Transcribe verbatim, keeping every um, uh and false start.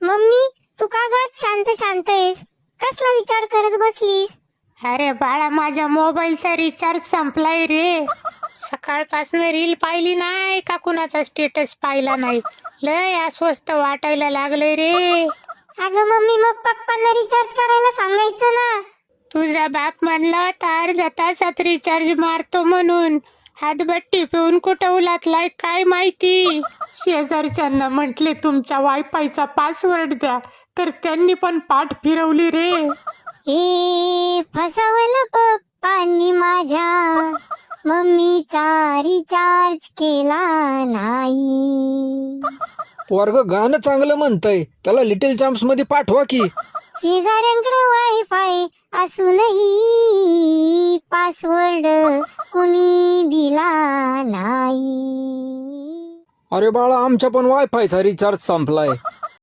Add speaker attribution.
Speaker 1: Mummy तू का ग शांत शांत आहेस? कसला विचार करत बसलीस?
Speaker 2: अरे बाळा, माझ्या मोबाईलचा रिचार्ज संपलाय रे. सकाळपासून रील पाहिली नाही का कुणाचा स्टेटस पाहिला नाही. लय अस्वस्थ वाटायला लागलंय रे.
Speaker 1: अगं मम्मी, मग पप्पांना रिचार्ज करायला सांगायचं ना.
Speaker 2: तुझा बाप म्हणला तर अर्ध्या तासात रिचार्ज मारतो म्हणून. हातभट्टी पिऊन कुठं उलातलाय काय माहिती. शेजारच्यांना म्हटले तुमच्या वायफायचा पासवर्ड द्या, तर त्यांनी पण पाठ फिरवली रे.
Speaker 1: हे फसवलं पप्पांनी माझ्या, मम्मीचा रिचार्ज केला नाही.
Speaker 3: पोरग गाणं चांगलं म्हणतंय, त्याला लिटिल चॅम्प्स मध्ये पाठवा की.
Speaker 1: शेजाऱ्यांकडे वायफाय असूनही पासवर्ड कुणी दिला नाही.
Speaker 3: अरे बाळा, आमच्या पण वायफायचा रिचार्ज संपलाय.